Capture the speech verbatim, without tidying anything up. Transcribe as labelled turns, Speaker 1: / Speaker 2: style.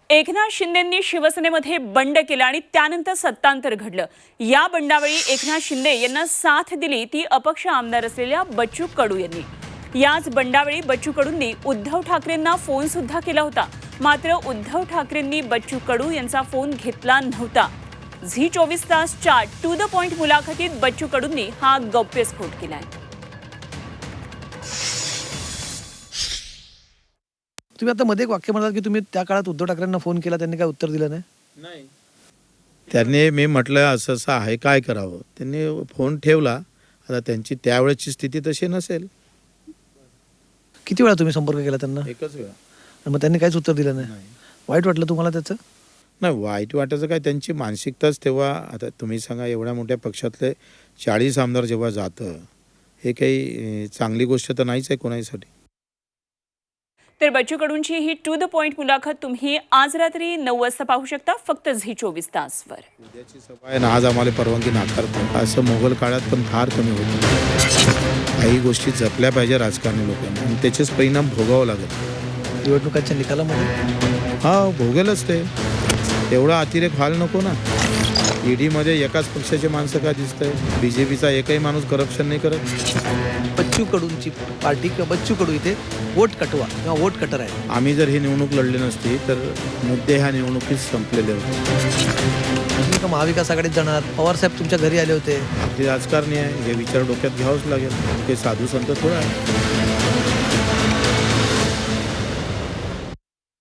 Speaker 1: एकनाथ शिंदेंनी शिवसेनेमध्ये बंड केला आणि त्यानंतर सत्तांतर घडलं। या बंडावेळी एकनाथ शिंदे यांना साथ दिली ती अपक्ष आमदार असलेल्या बच्चू कडू यांनी। याच बंडावेळी बच्चू कडूंनी उद्धव ठाकरेंना फोन सुद्धा केला होता, मात्र उद्धव ठाकरेंनी बच्चू कडू यांचा फोन घेतला नव्हता। झी चोवीस तासच्या टू द पॉइंट मुलाखतीत बच्चू कडूंनी हा गौप्यस्फोट केलाय।
Speaker 2: तुम्ही आता मध्ये एक वाक्य म्हणाल की तुम्ही त्या काळात उद्धव ठाकरेंना फोन केला, त्यांनी काय उत्तर दिलं नाही?
Speaker 3: नाही, त्यांनी मी म्हटलं असं असं आहे, काय करावं, त्यांनी फोन ठेवला। आता त्यांची त्यावेळेची स्थिती तशी नसेल।
Speaker 2: किती वेळा तुम्ही संपर्क केला त्यांना?
Speaker 3: एकच वेळा।
Speaker 2: आणि मग त्यांनी काहीच उत्तर दिलं नाही? वाईट वाटलं तुम्हाला त्याचं?
Speaker 3: नाही, वाईट वाटायचं काय, त्यांची मानसिकताच तेव्हा। आता तुम्ही सांगा, एवढ्या मोठ्या पक्षातले चाळीस आमदार जेव्हा जातं, हे काही चांगली गोष्ट तर नाहीच आहे कोणासाठी।
Speaker 1: तर बच्चू कडूंची ही टू द पॉइंट मुलाखत तुम्ही आज रात्री नऊ वाजता पाहू शकता, फक्त झी चोवीस तासवर।
Speaker 3: उद्याची सभा आहे ना, आज आम्हाला परवानगी नाकारतो, असं मोगल काळात पण फार कमी होतं। काही गोष्टी जपल्या पाहिजे राजकारणी लोकांनी, आणि त्याचेच परिणाम भोगावं लागेल
Speaker 2: निवडणुकांच्या निकालामध्ये।
Speaker 3: हा, भोगेलच ते। एवढा अतिरेक व्हायला नको ना। ईडीमध्ये एकाच पक्षाचे माणसं का दिसतंय? बीजेपीचा एकही माणूस करप्शन नाही करत।
Speaker 2: बच्चू कडूंची पार्टी किंवा बच्चू कडू इथे वोट कटवा किंवा वोट कटर आहे।
Speaker 3: आम्ही जर ही निवडणूक लढली नसती तर मुद्दे ह्या निवडणुकीत संपलेले होते।
Speaker 2: तुम्ही का महाविकास आघाडीत जाणार? पवार साहेब तुमच्या घरी आले होते।
Speaker 3: आपली राजकारणी आहे, हे विचार डोक्यात घ्यावंच लागेल। ते साधू संत थोडं आहे।